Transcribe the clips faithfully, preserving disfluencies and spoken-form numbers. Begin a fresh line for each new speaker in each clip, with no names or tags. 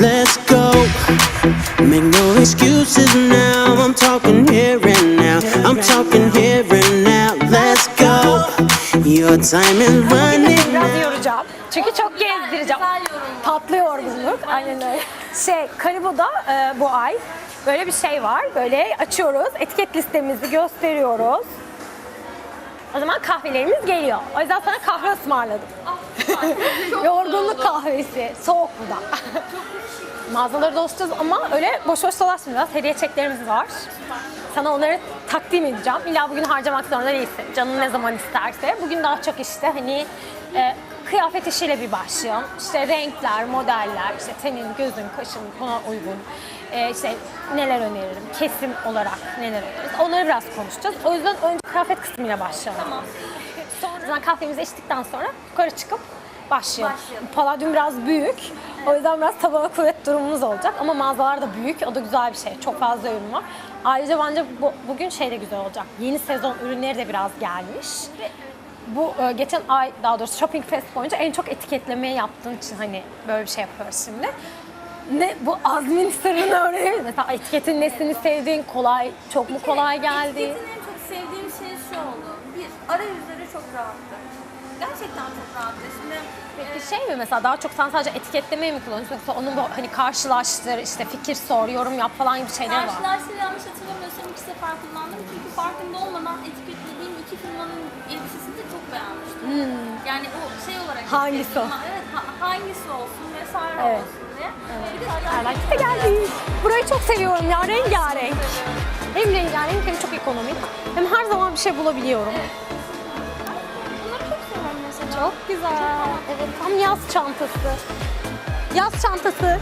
let's go. Make no excuses now. I'm talking here and now. I'm talking here and now. Let's go. Your time is running
Biraz
out.
yoracağım. Çünkü çok gezdireceğim. Tatlı yorgunluk. Aynen öyle. Şey, Karibo'da e, bu ay böyle bir şey var. Böyle açıyoruz. Etiket listemizi gösteriyoruz. O zaman kahvelerimiz geliyor. O yüzden sana kahve ısmarladım. Yorgunluk kahvesi. Soğuk bu da. Mağazaları dolaşacağız ama öyle boş boş dolaşmayacağız. Hediye çeklerimiz var. Sana onları takdim edeceğim. İlla bugün harcamak zorunda değilsin. Canın ne zaman isterse. Bugün daha çok işte hani e, kıyafet işiyle bir başlayalım. İşte renkler, modeller, işte senin gözün, kaşın buna uygun. E, işte neler öneririm, kesim olarak neler öneririz. Onları biraz konuşacağız. O yüzden önce kıyafet kısmıyla başlayalım. Tamam. Sonra kahvemizi içtikten sonra yukarı çıkıp başlayalım. başlayalım. Palladium biraz büyük. O yüzden biraz tabana kuvvet durumumuz olacak. Ama mağazalar da büyük. O da güzel bir şey. Çok fazla ürün var. Ayrıca bence bu, bugün şey de güzel olacak. Yeni sezon ürünleri de biraz gelmiş. Bu e, geçen ay, daha doğrusu Shopping Fest boyunca en çok etiketlemeyi yaptığın için hani böyle bir şey yapıyoruz şimdi. Ne bu azmin sırrını öğrenelim. Mesela etiketin nesini sevdiğin, kolay, çok mu kolay geldi?
Etiketin en çok sevdiğim şey şu oldu. Bir, arayüzleri çok rahattı. Gerçekten çok rahattı. Şimdi
Peki şey mi mesela daha çok sen sadece etiketlemeyi mi kullanıyorsun yoksa onun bu hani karşılaştır, işte fikir sor, yorum yap falan gibi şeyler var.
karşılaştığını yanlış hatırlamıyorsam iki sefer kullandım. Çünkü farkında olmadan etiketlediğim iki firmanın elbisesini de çok beğenmiştim. Yani o şey olarak
Hangisi
etiketledim.
o?
Evet, ha- hangisi olsun vesaire
Evet.
olsun diye. Bir de
Erlak'ta geldik. Burayı çok seviyorum ya, rengarenk. Hem rengarenk hem çok ekonomik. Hem her zaman bir şey bulabiliyorum.
bunları çok seviyorum mesela.
Çok güzel. Evet, tam yaz çantası. Yaz çantası.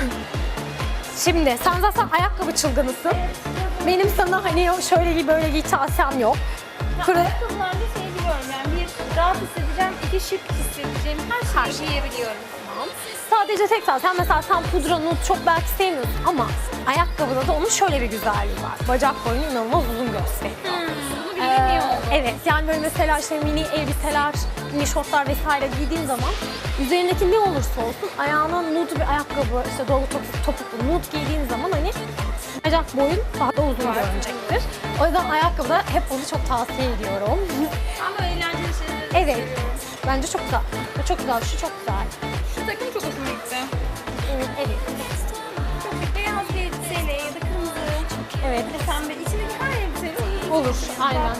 Şimdi sen zaten ayakkabı çılgınısın. Benim sana hani şöyle giy böyle giy tavsiyem yok. Kırı...
Ayakkabılarda şey biliyorum yani bir rahat hissedeceğim, iki şık hissedeceğim her şeyi giyebiliyorum.
Tamam. Sadece tek tane. Sen mesela sen pudra nude çok belki sevmiyorsun ama ayakkabıda da onun şöyle bir güzelliği var. Bacak boyunu inanılmaz uzun gösteriyor.
Bunu
Ee,
bilemiyorum.
evet yani böyle mesela işte mini elbiseler, mini şortlar vesaire giydiğin zaman üzerindeki ne olursa olsun ayağına nude bir ayakkabı, işte dolgu topuk, topuklu nude giydiğin zaman hani bacak boyun daha da uzun görünecektir. O yüzden ayakkabıda hep onu çok tavsiye ediyorum.
Ama eğlenceli şeyleri
Evet. Bence çok güzel. Bu çok güzel, şu çok güzel.
Şu takım çok hoşuma gitti.
Evet, evet.
Çok bir beyaz bir elbiseyle ya da kırmızı,
Evet.
bir de pembe. İçindeki her elbiseyle iyi.
Olur, aynen.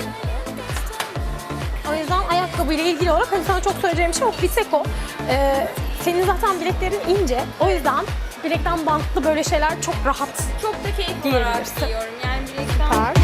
O yüzden ayakkabıyla ilgili olarak hani sana çok söyleyeceğim şey o. Bir tek o. Ee, senin zaten bileklerin ince. O yüzden bilekten bantlı böyle şeyler çok rahat.
Çok da keyif
Giyebilirsin.
olarak giyiyorum. Yani bilekten.
Var.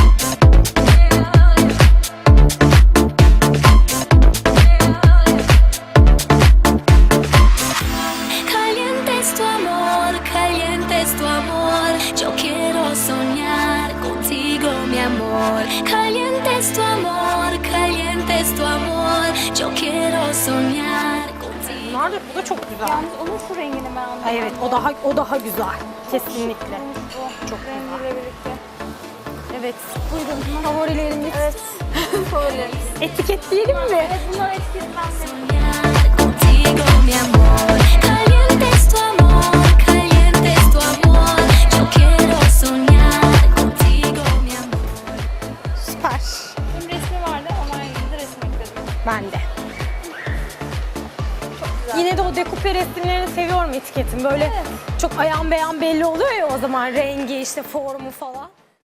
Caliente es tu amor, caliente es tu amor. Yo quiero soñar contigo, mi amor. Caliente es tu amor, caliente es tu amor. Yo quiero soñar contigo.
Bunlar da, bu da çok güzel.
Yalnız onun şu rengini ben anladım.
Ay evet, o daha o daha güzel. Kesinlikle.
Bu
Çok
rengiyle birlikte.
Evet. Buyurun favorilerimiz.
Evet. Favorilerimiz.
Etiketleyelim mi?
Evet, bunlar etiketlenmeli.
Soñar contigo, mi amor. Caliente es tu amor, caliente es tu amor. Yo quiero soñar contigo, mi amor.
Süper.
Benim resmi vardı, onunla ilgili de resim ekledim.
Ben de. Yine de o dekupe resimlerini seviyorum etiketin. Böyle çok ayan beyan belli oluyor ya o zaman rengi işte formu falan.